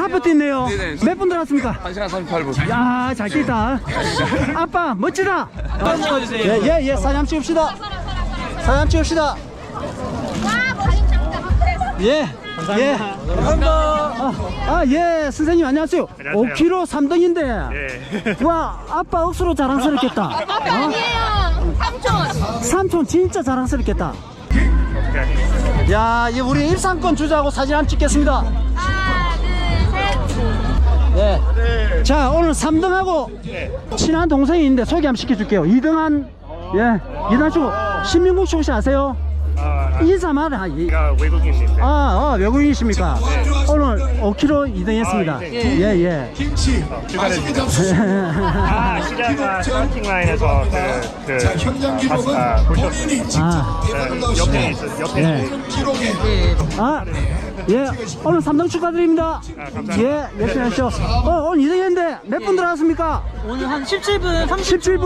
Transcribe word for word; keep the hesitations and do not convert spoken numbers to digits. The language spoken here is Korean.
하프 뛰네요. 네네. 몇 분 들어갔습니까? 한 시간 삼십팔 분. 야, 잘 뛰다. 아빠, 멋지다. 예, 예, 예, 사진 한번 찍읍시다. 사진 한번 찍읍시다. 예, 예. 감사합니다. 아, 아, 예, 선생님 안녕하세요. 안녕하세요. 오 킬로미터 삼 등인데. 예. 와, 아빠 억수로 자랑스럽겠다. 아빠 아니에요. 삼촌. 삼촌 진짜 자랑스럽겠다. 야, 이 우리 입상권 주자고 사진 한번 찍겠습니다. 하나, 둘, 셋. 예. 자, 오늘 삼 등하고 친한 동생이 있는데 소개 한번 시켜줄게요. 이 등한, 예, 이 등 주 신민국 씨 혹시 아세요? 아, 인사만 하. 이- 제가 외국인인데. 아, 아, 외국인이십니까? 오늘 오 킬로미터 이 등 했습니다. 아, 이 예, 예. 어, 축하드립니다. 아, 시작과 스타팅 라인에서 그, 그, 아, 아, 보셨어요. 아, 네, 옆에 있어, 옆에 예. 있어. 아, 예. 오늘 삼 등 축하드립니다. 감사합니다. 예, 열심히 하시죠. 어, 오늘 이 등 했는데 몇 분 들어갔습니까? 오늘 한 십칠 분 삼십 십칠 분.